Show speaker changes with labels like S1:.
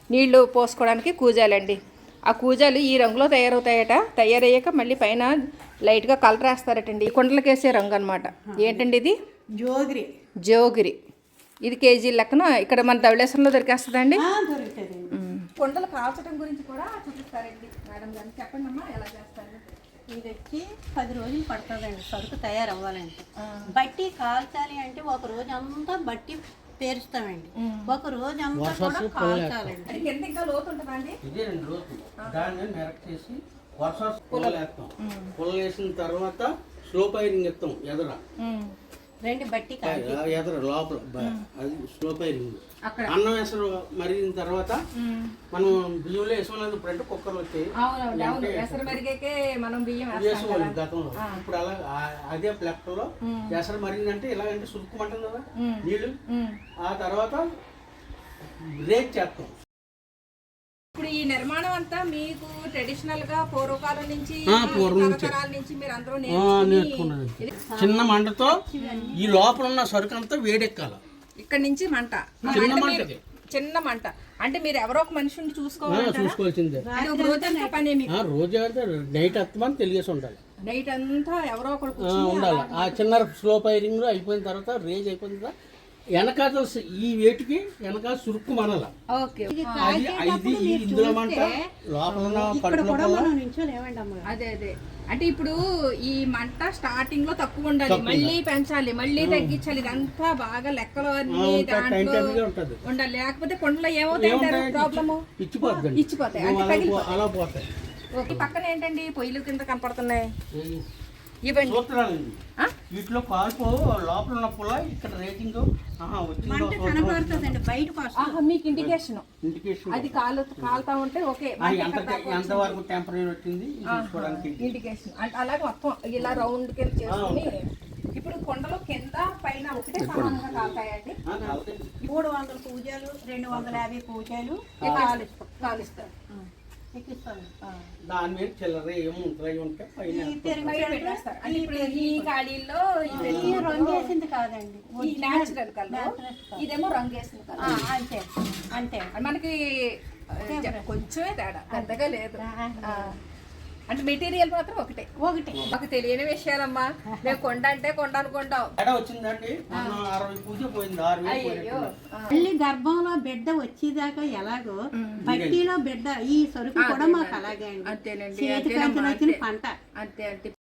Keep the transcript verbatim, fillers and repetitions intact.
S1: నీళ్లు పోసుకోవడానికి కూజాలండి. ఆ కూజాలు ఈ రంగులో తయారవుతాయట. తయారయ్యాక మళ్ళీ పైన లైట్గా కలర్ వేస్తారటండి. ఈ కుండలకి వేసే రంగు అనమాట. ఏంటండి ఇది?
S2: జోగిరి.
S1: జోగిరి. ఇది కేజీ లెక్కన ఇక్కడ మన ధవళేశ్వరంలో దొరికేస్తుందండి.
S2: దొరుకుతుంది.
S1: కుండలు కాల్చడం గురించి కూడా చూపిస్తారండి మేడం గారు. చెప్పండి అమ్మా, ఎలా చేస్తారు?
S2: ఇది వచ్చి పది రోజులు పడుతుందండి సరుకు తయారవ్వాలంటే. బట్టి కాల్చాలి అంటే ఒక రోజు అంతా బట్టి పేరుస్తామండి, ఒక రోజు అంతా కూడా కాల్చాలండి.
S1: అది ఎంత ఇంకా లోతు ఉంటుందండి?
S3: ఇదే రెండు రోజులు దాన్ని మెరక్ చేసి వర్ష పుల్లలు వేస్తాం. పుల్లలు వేసిన తర్వాత స్లో పైరింగ్ ఇస్తాం. ఎదర
S2: రెండు బట్టి
S3: ఎదర లోపల అది స్లో పైరింగ్. అన్నం వేసరు మరిగిన తర్వాత మనం బియ్యంలో వేసుకోలేదు. ఇప్పుడు అంటే కుక్కర్లు వచ్చాయి వేసుకోవాలి గతంలో. ఇప్పుడు అలా అదే ప్లెక్కలో ఎసరు మరిగిందంటే ఇలాగంటే సురుక్కుమంటాం కదా నీళ్ళు. ఆ తర్వాత రేట్ చేస్తాం.
S1: ఇప్పుడు ఈ నిర్మాణం అంతా మీకు ట్రెడిషనల్ గా పూర్వకాలం నుంచి తరతరాల నుంచి మీరు అందరూ
S3: నేర్చుకున్నది. చిన్న మంటతో ఈ లోపల ఉన్న సరుకు అంతా వేడెక్కాల.
S1: ఇక్కడ నుంచి మంట,
S3: చిన్న మంటకి
S1: చిన్న మంట అంటే మీరు ఎవరో ఒక మనిషిని చూసుకోవాలి.
S3: చూసుకోవాల్సిందే.
S1: పని
S3: రోజు నైట్ అత్తమని తెలియసి ఉండాలి.
S1: నైట్ అంతా ఎవరో ఒకరు
S3: ఉండాలి. ఆ చిన్న స్లో ఫైరింగ్ అయిపోయిన తర్వాత రేజ్ అయిపోయిన తర్వాత వెనకాల ఈ వేటికి వెనకాల సురుక్కు మనల. ఇది ఇందులో మంట లోపల.
S1: అదే అదే అంటే ఇప్పుడు ఈ మంట స్టార్టింగ్ లో తక్కువ ఉండాలి, మళ్ళీ పెంచాలి, మళ్ళీ తగ్గించాలి. ఇదంతా బాగా లెక్కలు అన్ని దాంట్లో ఉండాలి. లేకపోతే కొండలో ఏమవుతాయి ప్రాబ్లము?
S3: ఇచ్చిపోతుంది.
S1: ఇచ్చిపోతాయి
S3: అలా పోతాయి.
S1: పక్కన ఏంటండి పొయ్యిలు కింద కనపడుతున్నాయి?
S3: వీటిలో కాల్పు లోపల ఉన్న పుల్ల ఇక్కడ రేటింగ్
S1: మీకు ఇండికేషన్ అది కాలు కాలుతా ఉంటే ఓకే.
S3: ఎంత వరకు టెంపరీ వచ్చింది
S1: ఇండికేషన్ అంటే అలాగే మొత్తం ఇలా రౌండ్ కింద చేసుకుని. ఇప్పుడు కొండలో కింద పైన ఒకటే సమానంగా కాలుతాయండి.
S2: మూడు వందల పూజలు, రెండు వందల యాభై పూజలు
S1: కాలుస్తారు.
S3: దాని మీద చిల్లర ఏముంటాయి ఉంటే
S1: ఈ ఖాళీల్లో
S2: రంగు వేసింది కాదండి,
S1: న్యాచురల్ కలర్. ఇదేమో రంగు వేసింది కలర్.
S2: అంతే అంతే.
S1: మనకి కొంచెమే తేడా, పెద్దగా లేదు. అంటే మెటీరియల్ మాత్రం ఒకటే ఒకటే. మాకు తెలియని విషయాలమ్మా. మేము కొండ అంటే కొండ అనుకుంటాం.
S3: వచ్చిందండి
S2: మళ్ళీ గర్భంలో బిడ్డ వచ్చేదాకా ఎలాగో బట్టీలో బిడ్డ ఈ సరుకు కూడా మాకు అలాగే అండి.
S1: అంతేనండి.
S2: చేతికి వచ్చిన పంట
S1: అంతే అంటే